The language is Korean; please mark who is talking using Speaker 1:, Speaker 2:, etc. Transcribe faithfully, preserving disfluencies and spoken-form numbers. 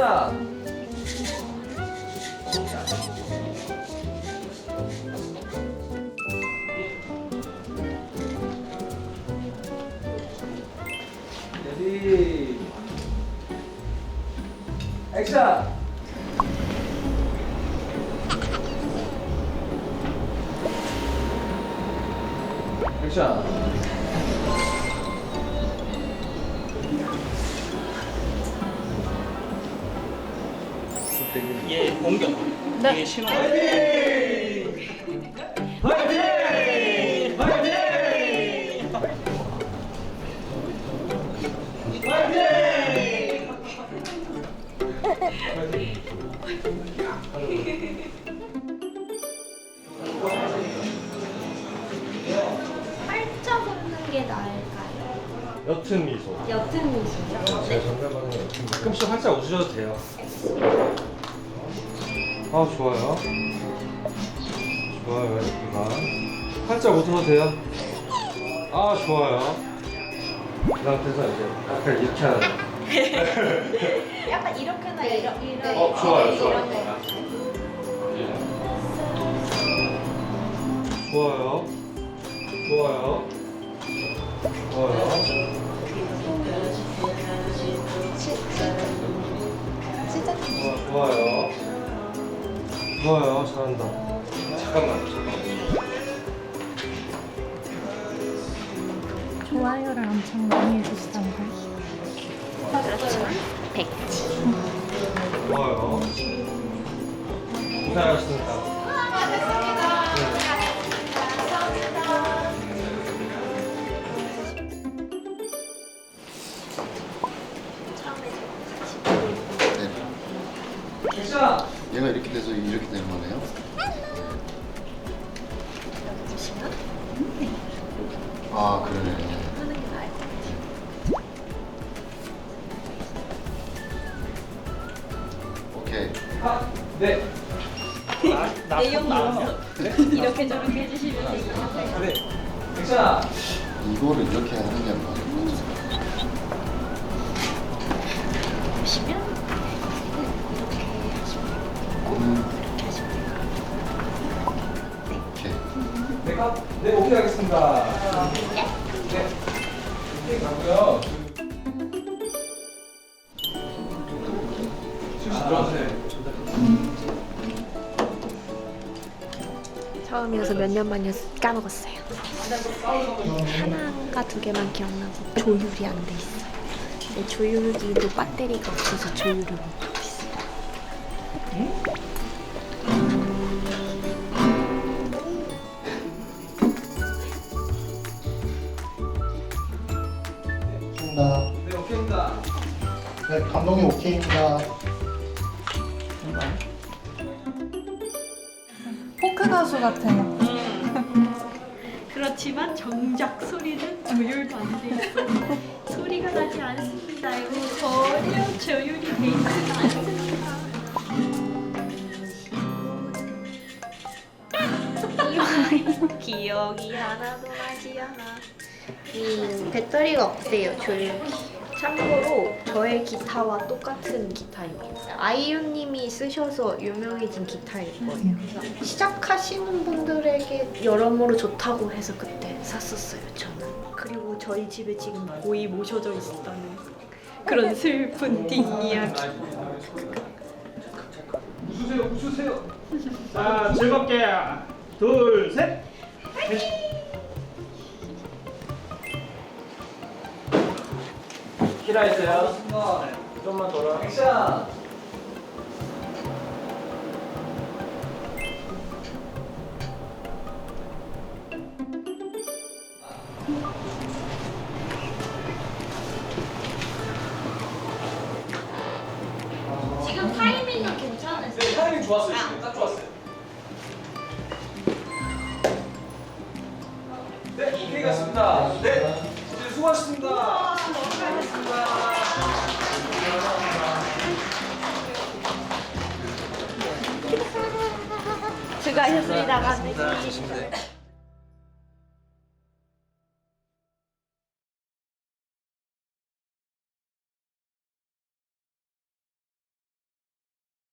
Speaker 1: 액션! 레디 액션! 액션!
Speaker 2: 얘 공격.
Speaker 3: 네.
Speaker 2: 얘 신호.
Speaker 1: 화이팅! 화이팅! 화이팅!
Speaker 4: 팔자 걷는 게 나을까요?
Speaker 1: 옅은 미소.
Speaker 4: 옅은 미소요?
Speaker 1: 제 정답은 옅은 미소. 가끔씩 활짝 웃으셔도 돼요. 아 좋아요. 좋아요 예쁘다. 활짝 웃어도 돼요. 아 좋아요. 그 상태에서 이제 약간 이렇게 하는 거.
Speaker 4: 약간 이렇게나 이런 이런
Speaker 1: 어, 좋아요,
Speaker 4: 이런
Speaker 1: 좋아요.
Speaker 4: 거.
Speaker 1: 좋아요. 좋아요. 좋아요. 좋아, 좋아요. 좋아요. 잘한다. 잠깐만. 잠깐만.
Speaker 3: 좋아요를 엄청 많이 해주시던가요?
Speaker 4: 그렇죠. 백지.
Speaker 1: 좋아요. 고생하셨습니다. 액션!
Speaker 5: 얘가 이렇게 돼서 이렇게 되는 거네요. 아 그러네.
Speaker 4: 하는 게 나을 것 같아요.
Speaker 5: 오케이.
Speaker 1: 아, 네.
Speaker 4: 내용
Speaker 2: 나오면?
Speaker 4: 이렇게 저렇게 해주시면 돼요.
Speaker 1: 네. 액션!
Speaker 5: 이거를 이렇게 하는 게 맞을 것 같아요.
Speaker 4: 보시면 이렇게 하시면
Speaker 5: 음,
Speaker 4: 이렇게 하시면 돼요.
Speaker 5: 오케이.
Speaker 1: 네, 가, 네, 오케이 하겠습니다. 네. 오케이 가고요. 실시 들어가세요.
Speaker 4: 처음이어서 몇 년 만이어서 까먹었어요. 하나인가 두 개만 기억나고 조율이 안 돼 있어요. 근데 조율기도 배터리가 없어서 조율을 못 하고 있어요.
Speaker 5: 오케이입니다.
Speaker 1: 네, 오케이입니다.
Speaker 5: 네, 감독님 오케이입니다.
Speaker 3: 포크 가수 같아요.
Speaker 4: 그렇지만 정작 소리는 조율도 안 돼 있어. 소리가 나지 않습니다. 이거 전혀 조율이 돼 있지 않습니다. 기억- 기억이 하나도 나지 않아. 이 배터리가 없대요, 조율기. 참고로 저의 기타와 똑같은 기타입니다. 아이유님이 쓰셔서 유명해진 기타일 거예요. 그래서 시작하시는 분들에게 여러모로 좋다고 해서 그때 샀었어요, 저는. 그리고 저희 집에 지금 고이 모셔져 있다는 그런 슬픈 뒷이야기.
Speaker 1: 웃으세요, 웃으세요.
Speaker 2: 자, 즐겁게. 둘, 셋.
Speaker 1: 키라 있어요. 좀만 돌아. 액션!
Speaker 4: 지금 타이밍은 괜찮으세요?
Speaker 1: 네, 타이밍 좋았어요. 지금 딱 좋았어요. 네, 오케이 갔습니다. 네, 이제 수고하셨습니다. 수고하셨습니다.
Speaker 4: 수고하셨습니다, 감독님.